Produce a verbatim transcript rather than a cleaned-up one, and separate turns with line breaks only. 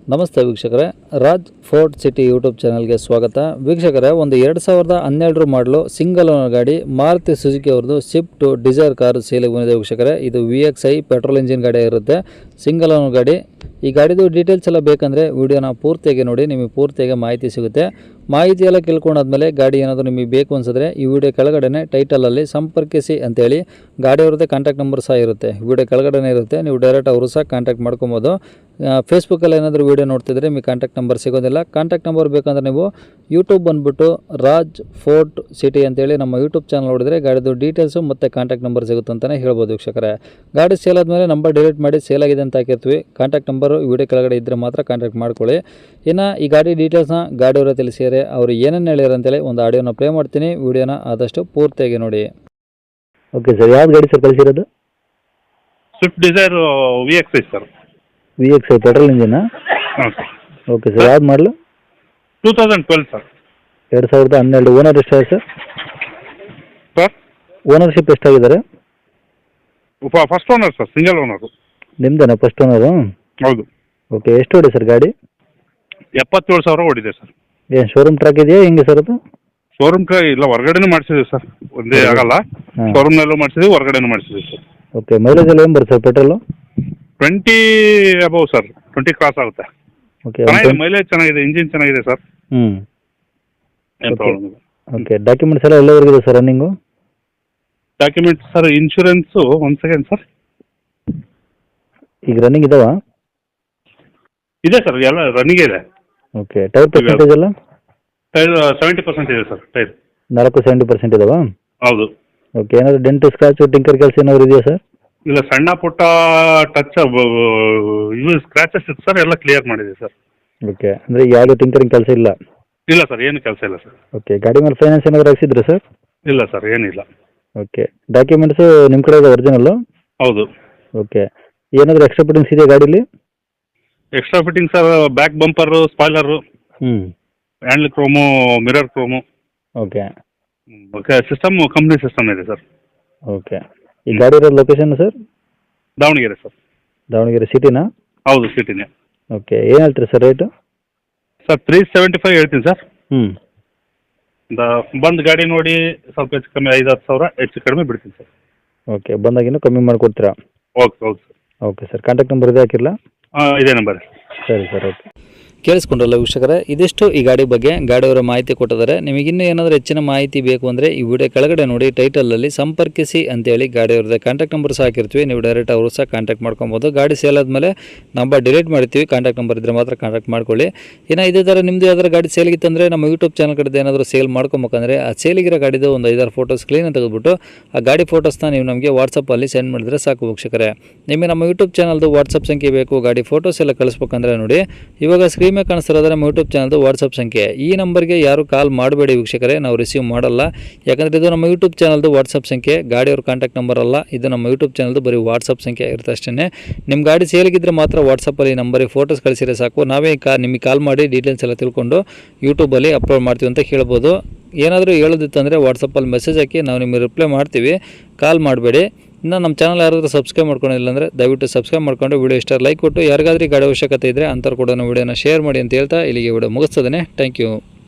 ನಮಸ್ತೆ ವೀಕ್ಷಕರೇ, Raj fort city YouTube ಚಾನಲ್ಗೆ ಸ್ವಾಗತ. ವೀಕ್ಷಕರೇ, ಒಂದು ಎರಡು ಸಾವಿರದ ಹನ್ನೆರಡರ ಮಾಡಲು ಸಿಂಗಲ್ ಓನರ್ ಗಾಡಿ ಮಾರುತಿ ಸುಜುಕಿ ಅವ್ರದ್ದು ಸ್ವಿಫ್ಟ್ ಡಿಸೈರ್ ಕಾರು ಸೇಲಿಗೆ ಬಂದಿದೆ ವೀಕ್ಷಕರೇ. ಇದು V X I petrol engine ಗಾಡಿ ಇರುತ್ತೆ, ಸಿಂಗಲ್ ಓನರ್ ಗಾಡಿ. ಈ ಗಾಡಿದು ಡೀಟೇಲ್ಸ್ ಎಲ್ಲ ಬೇಕಂದರೆ ವಿಡಿಯೋನ ಪೂರ್ತಿಯಾಗಿ ನೋಡಿ, ನಿಮಗೆ ಪೂರ್ತಿಯಾಗಿ ಮಾಹಿತಿ ಸಿಗುತ್ತೆ. ಮಾಹಿತಿ ಎಲ್ಲ ಕೇಳ್ಕೊಂಡಾದ್ಮೇಲೆ ಗಾಡಿ ಏನಾದರೂ ನಿಮಗೆ ಬೇಕು ಅನ್ಸಿದ್ರೆ ಈ ವಿಡಿಯೋ ಕೆಳಗಡೆ ಟೈಟಲಲ್ಲಿ ಸಂಪರ್ಕಿಸಿ ಅಂತೇಳಿ ಗಾಡಿ ಅವ್ರದ್ದೇ ಕಾಂಟ್ಯಾಕ್ಟ್ ನಂಬರ್ ಸಹ ಇರುತ್ತೆ, ವಿಡಿಯೋ ಕೆಳಗಡೆ ಇರುತ್ತೆ. ನೀವು ಡೈರೆಕ್ಟ್ ಅವರು ಸಹ ಕಾಂಟ್ಯಾಕ್ಟ್ ಮಾಡ್ಕೊಬೋದು. ಫೇಸ್ಬುಕ್ಕಲ್ಲಿ ಏನಾದರೂ ವೀಡಿಯೋ ನೋಡ್ತಿದ್ರೆ ನಿಮಗೆ ಕಾಂಟ್ಯಾಕ್ಟ್ ನಂಬರ್ ಸಿಗೋದಿಲ್ಲ. ಕಾಂಟ್ಯಾಕ್ಟ್ ನಂಬರ್ ಬೇಕಂದ್ರೆ ನೀವು ಯೂಟ್ಯೂಬ್ ಬಂದುಬಿಟ್ಟು ರಾಜ್ ಫೋರ್ಟ್ ಸಿಟಿ ಅಂತೇಳಿ ನಮ್ಮ ಯೂಟ್ಯೂಬ್ ಚಾನಲ್ ನೋಡಿದ್ರೆ ಗಾಡಿದು ಡೀಟೇಲ್ಸು ಮತ್ತು ಕಾಂಟ್ಯಾಕ್ಟ್ ನಂಬರ್ ಸಿಗುತ್ತೆ ಅಂತಲೇ ಹೇಳ್ಬೋದು ವೀಕ್ಷಕರೇ. ಗಾಡಿ ಸೇಲ್ ಆದಮೇಲೆ ನಂಬರ್ ಡಿಲೀಟ್ ಮಾಡಿ ಸೇಲ್ ಆಗಿದೆ ಅಂತ ಹಾಕಿರ್ತೀವಿ. ಕಾಂಟ್ಯಾಕ್ಟ್ ನಂಬರು ವಿಡಿಯೋ ಕೆಳಗಡೆ ಇದ್ದರೆ ಮಾತ್ರ ಕಾಂಟ್ಯಾಕ್ಟ್ ಮಾಡ್ಕೊಳ್ಳಿ. ಇನ್ನು ಈ ಗಾಡಿ ಡೀಟೇಲ್ಸ್ನ ಗಾಡಿಯವರ ತಿಳಿಸಿದರೆ ಅವರು ಏನೇನು ಹೇಳ್ಯಾರ ಅಂತೇಳಿ ಒಂದು ಆಡಿಯೋನ ಪ್ಲೇ ಮಾಡ್ತೀನಿ. ವಿಡಿಯೋನ ಆದಷ್ಟು ಪೂರ್ತಿಯಾಗಿ ನೋಡಿ.
ಓಕೆ ಸರ್, ಯಾವ್ದು ಗಾಡಿ ಸರ್ ಕಳಿಸಿರೋದು?
Swift Dzire V X I sir.
V X I petrol ಇಂಜಿನಾ?
ಹಾಂ ಸರ್.
ಓಕೆ ಸರ್, ಯಾವ್ದು ಮಾಡಲು?
Two thousand twelve sir.
ಎರಡು ಸಾವಿರದ ಹನ್ನೆರಡು. ಓನರ್ ಎಷ್ಟಾಗಿದೆ ಸರ್?
ಸರ್
ಓನರ್ಶಿಪ್ ಎಷ್ಟಾಗಿದ್ದಾರೆ?
First owner sir, single owner.
ನಿಮ್ದೇನಾ ಫಸ್ಟ್ ಓನರು?
ಹೌದು.
ಓಕೆ, ಎಷ್ಟು ಹೊಡಿ ಸರ್ ಗಾಡಿ?
ಎಪ್ಪತ್ತೇಳು ಸಾವಿರ ಓಡಿದೆ ಸರ್.
ಏನು ಶೋರೂಮ್ ಟ್ರ್ಯಾಕ್ ಇದೆಯಾ ಹೆಂಗೆ ಸರ್ ಅದು?
ಶೋರೂಮ್ ಕ ಇಲ್ಲ, ಹೊರಗಡೆನೂ ಮಾಡಿಸಿದ್ವಿ ಸರ್, ಒಂದೇ ಆಗಲ್ಲ.
ಹಾಂ.
ಶೋರೂಮ್ನಲ್ಲೂ ಮಾಡಿಸಿದ್ವಿ, ಹೊರಗಡೆನೂ ಮಾಡಿಸಿದ್ವಿ ಸರ್.
ಓಕೆ, ಮೈಲೇಜ್ ಎಲ್ಲ ಏನು ಬರುತ್ತೆ sir petrol?
Twenty above sir, twenty cross ಆಗುತ್ತೆ.
ಓಕೆ.
ಚೆನ್ನಾಗಿದೆ, ಮೈಲೇಜ್ ಚೆನ್ನಾಗಿದೆ, ಇಂಜಿನ್ ಚೆನ್ನಾಗಿದೆ ಸರ್,
ಹ್ಞೂ.
ಏನು ಪ್ರಾಬ್ಲಮ್ ಇಲ್ಲ.
ಓಕೆ, ಡಾಕ್ಯುಮೆಂಟ್ಸ್ ಎಲ್ಲ ಎಲ್ಲವರೆಗಿದೆ sir running?
Documents sir, insurance ಒಂದು ಸೆಕೆಂಡ್ ಸರ್.
ಈಗ ರನ್ನಿಂಗ್ ಇದಾವ?
ಇದೆ ಸರ್, ಎಲ್ಲ ರನ್ನಿಂಗ್ ಇದೆ.
ಓಕೆ, ಟೈರ್ ಪರ್ಸೆಂಟೇಜ್ ಎಲ್ಲ?
ಟೈರ್ ಸೆವೆಂಟಿ ಪರ್ಸೆಂಟ್ ಇದೆ ಸರ್, ಟೈರ್
ನಾಲ್ಕು ಸೆವೆಂಟಿ ಪರ್ಸೆಂಟ್ ಇದಾವಾ?
ಹೌದು.
ಓಕೆ, ಏನಾದರೂ ಡೆಂಟು ಸ್ಕ್ರಾಚು ಟಿಂಕರ್ ಕೆಲಸ ಏನಾದ್ರು ಇದೆಯಾ ಸರ್?
ಇಲ್ಲ, ಸಣ್ಣ ಪುಟ್ಟ ಟಚ್ ಇವು ಸ್ಕ್ರಾಚಸ್ ಇತ್ತು ಸರ್, ಎಲ್ಲ ಕ್ಲಿಯರ್ ಮಾಡಿದೆ ಸರ್.
ಓಕೆ, ಅಂದರೆ ಯಾವುದೇ ಟಿಂಕರಿಂಗ್ ಕೆಲಸ ಇಲ್ಲ?
ಇಲ್ಲ ಸರ್, ಏನು ಕೆಲಸ ಇಲ್ಲ ಸರ್.
ಓಕೆ, ಗಾಡಿ ಮೇಲೆ ಫೈನಾನ್ಸ್ ಏನಾದರೂ ಹಾಕ್ಸಿದ್ರಾ ಸರ್?
ಇಲ್ಲ ಸರ್, ಏನಿಲ್ಲ.
ಓಕೆ, ಡಾಕ್ಯುಮೆಂಟ್ಸು ನಿಮ್ಮ ಕಡೆ ಇದೆ ಒರಿಜಿನಲ್ಲು?
ಹೌದು.
ಓಕೆ, ಏನಾದರೂ ಎಕ್ಸ್ಟ್ರಾ ಫಿಟ್ಟಿಂಗ್ಸ್ ಇದೆಯಾ ಗಾಡೀಲಿ?
Extra fitting sir, back bumper, spoiler,
ಹ್ಞೂ.
Handle chrome, mirror chrome.
Okay.
Okay, system company system ಇದೆ ಸರ್.
ಓಕೆ, ಈ ಗಾಡಿ ಇರೋದು location sir?
Davanagere sir.
Davanagere ಸಿಟಿನಾ?
ಹೌದು, ಸಿಟಿನೇ.
ಓಕೆ, ಏನು ಹೇಳ್ತೀರಿ sir rate?
Sir three seventy five ಹೇಳ್ತೀನಿ ಸರ್.
ಹ್ಞೂ.
ದ ಬಂದು ಗಾಡಿ ನೋಡಿ ಸ್ವಲ್ಪ ಹೆಚ್ಚು ಕಮ್ಮಿ ಐದು ಹತ್ತು ಸಾವಿರ ಹೆಚ್ಚು ಕಡಿಮೆ ಬಿಡ್ತೀನಿ ಸರ್.
ಓಕೆ, ಬಂದಾಗಿನ್ನೂ ಕಮ್ಮಿ ಮಾಡಿಕೊಡ್ತೀರಾ?
ಓಕೆ, ಹೌದು sir.
Okay sir, contact number ಇದೆ ಹಾಕಿರಲಾ?
ಹಾಂ, ಇದೇ ನಂಬರ್.
ಸರಿ ಸರ್, ಓಕೆ.
ಕೇಳಿಸ್ಕೊಂಡ್ರಲ್ಲ ವೀಕ್ಷಕರೇ, ಇದಿಷ್ಟು ಈ ಗಾಡಿ ಬಗ್ಗೆ ಗಾಡಿಯವರ ಮಾಹಿತಿ ಕೊಟ್ಟಿದ್ದಾರೆ. ನಿಮಗಿನ್ನೂ ಏನಾದರೂ ಹೆಚ್ಚಿನ ಮಾಹಿತಿ ಬೇಕು ಅಂದರೆ ಈ ವಿಡಿಯೋ ಕೆಳಗಡೆ ನೋಡಿ ಟೈಟಲಲ್ಲಿ ಸಂಪರ್ಕಿಸಿ ಅಂತೇಳಿ ಗಾಡಿಯವ್ರದ್ದು ಕಾಂಟ್ಯಾಕ್ಟ್ ನಂಬರ್ ಸಹ ಹಾಕಿರ್ತೀವಿ. ನೀವು ಡೈರೆಕ್ಟ್ ಅವರು ಸಹ ಕಾಂಟ್ಯಾಕ್ಟ್ ಮಾಡ್ಕೊಬೋದು. ಗಾಡಿ ಸೇಲ್ ಆದಮೇಲೆ ನಂಬರ್ ಡಿಲೀಟ್ ಮಾಡ್ತೀವಿ, ಕಾಂಟ್ಯಾಕ್ಟ್ ನಂಬರ್ ಇದ್ದರೆ ಮಾತ್ರ ಕಾಂಟ್ಯಾಕ್ಟ್ ಮಾಡ್ಕೊಳ್ಳಿ. ಇನ್ನು ಇದೇ ಥರ ನಿಮ್ಮದು ಯಾವ್ದಾರು ಗಾಡಿ ಸೇಲಿಗಿತ್ತಂದರೆ ನಮ್ಮ ಯೂಟ್ಯೂಬ್ ಚಾನಲ್ ಕಡೆದು ಏನಾದರೂ ಸೇಲ್ ಮಾಡ್ಕೊಬೇಕಂದ್ರೆ ಆ ಸೇಲಿಗಿರೋ ಗಾಡಿದು ಒಂದು ಐದಾರು ಫೋಟೋಸ್ ಕ್ಲೀನಾಗಿ ತೆಗೆದುಬಿಟ್ಟು ಆ ಗಾಡಿ ಫೋಟೋಸ್ನ ನೀವು ನಮಗೆ ವಾಟ್ಸಪ್ಪಲ್ಲಿ ಸೆಂಡ್ ಮಾಡಿದ್ರೆ ಸಾಕು ವೀಕ್ಷಕರೇ. ನಿಮಗೆ ನಮ್ಮ ಯೂಟ್ಯೂಬ್ ಚಾನಲ್ದು ವಾಟ್ಸಪ್ ಸಂಖ್ಯೆ ಬೇಕು, ಗಾಡಿ ಫೋಟೋಸ್ ಎಲ್ಲ ಕಳಿಸ್ಬೇಕಂದ್ರೆ ನೋಡಿ ಇವಾಗ ಸ್ಕ್ರೀನ್ ಮೇಲೆ ಕಾಣಿಸ್ತಿರೋದ್ರೆ ನಮ್ಮ ಯೂಟ್ಯೂಬ್ ಚಾನಲ್ದು ವಾಟ್ಸಪ್ ಸಂಖ್ಯೆ. ಈ ನಂಬರ್ಗೆ ಯಾರು ಕಾಲ್ ಮಾಡಬೇಡಿ ವೀಕ್ಷಕರೇ, ನಾವು ರಿಸೀವ್ ಮಾಡಲ್ಲ. ಯಾಕಂದರೆ ಇದು ನಮ್ಮ ಯೂಟ್ಯೂಬ್ ಚಾನಲ್ದು ವಾಟ್ಸಪ್ ಸಂಖ್ಯೆ, ಗಾಡಿಯವ್ರ ಕಾಂಟ್ಯಾಕ್ಟ್ ನಂಬರ್ ಅಲ್ಲ. ಇದು ನಮ್ಮ ಯೂಟ್ಯೂಬ್ ಚಾನಲ್ದು ಬರೀ ವಾಟ್ಸಪ್ ಸಂಖ್ಯೆ ಇರುತ್ತೆ ಅಷ್ಟೇ. ನಿಮ್ಮ ಗಾಡಿ ಸೇಲಿಗಿದ್ರೆ ಮಾತ್ರ ವಾಟ್ಸಪ್ಪಲ್ಲಿ ನಂಬರಿಗೆ ಫೋಟೋಸ್ ಕಳಿಸಿದ್ರೆ ಸಾಕು, ನಾವೇ ಕಾ ನಿಮಗೆ ಕಾಲ್ ಮಾಡಿ ಡೀಟೇಲ್ಸ್ ಎಲ್ಲ ತಿಳ್ಕೊಂಡು ಯೂಟ್ಯೂಬಲ್ಲಿ ಅಪ್ಲೋಡ್ ಮಾಡ್ತೀವಿ ಅಂತ ಹೇಳ್ಬೋದು. ಏನಾದರೂ ಹೇಳೋದಿತ್ತಂದರೆ ವಾಟ್ಸಪ್ಪಲ್ಲಿ ಮೆಸೇಜ್ ಹಾಕಿ ನಾವು ನಿಮಗೆ ರಿಪ್ಲೈ ಮಾಡ್ತೀವಿ, ಕಾಲ್ ಮಾಡಬೇಡಿ. ಇನ್ನು ನಮ್ಮ ಚಾನಲ್ ಯಾರಾದರೂ ಸಬ್ಸ್ಕ್ರೈಬ್ ಮಾಡ್ಕೊಂಡಿಲ್ಲ ಅಂದರೆ ದಯವಿಟ್ಟು ಸಬ್ಸ್ಕ್ರೈಬ್ ಮಾಡ್ಕೊಂಡು ವಿಡಿಯೋ ಇಷ್ಟ ಲೈಕ್ ಕೊಟ್ಟು ಯಾರಿಗಾದ್ರೂ ಗಾಡಿ ಅವಶ್ಯಕತೆ ಇದ್ದರೆ ಅಂಥವ್ರು ಕೂಡ ವಿಡಿಯೋನ ಶೇರ್ ಮಾಡಿ ಅಂತ ಹೇಳ್ತಾ ಇಲ್ಲಿಗೆ ವಿಡಿಯೋ ಮುಗಿಸ್ತದೆ. Thank you.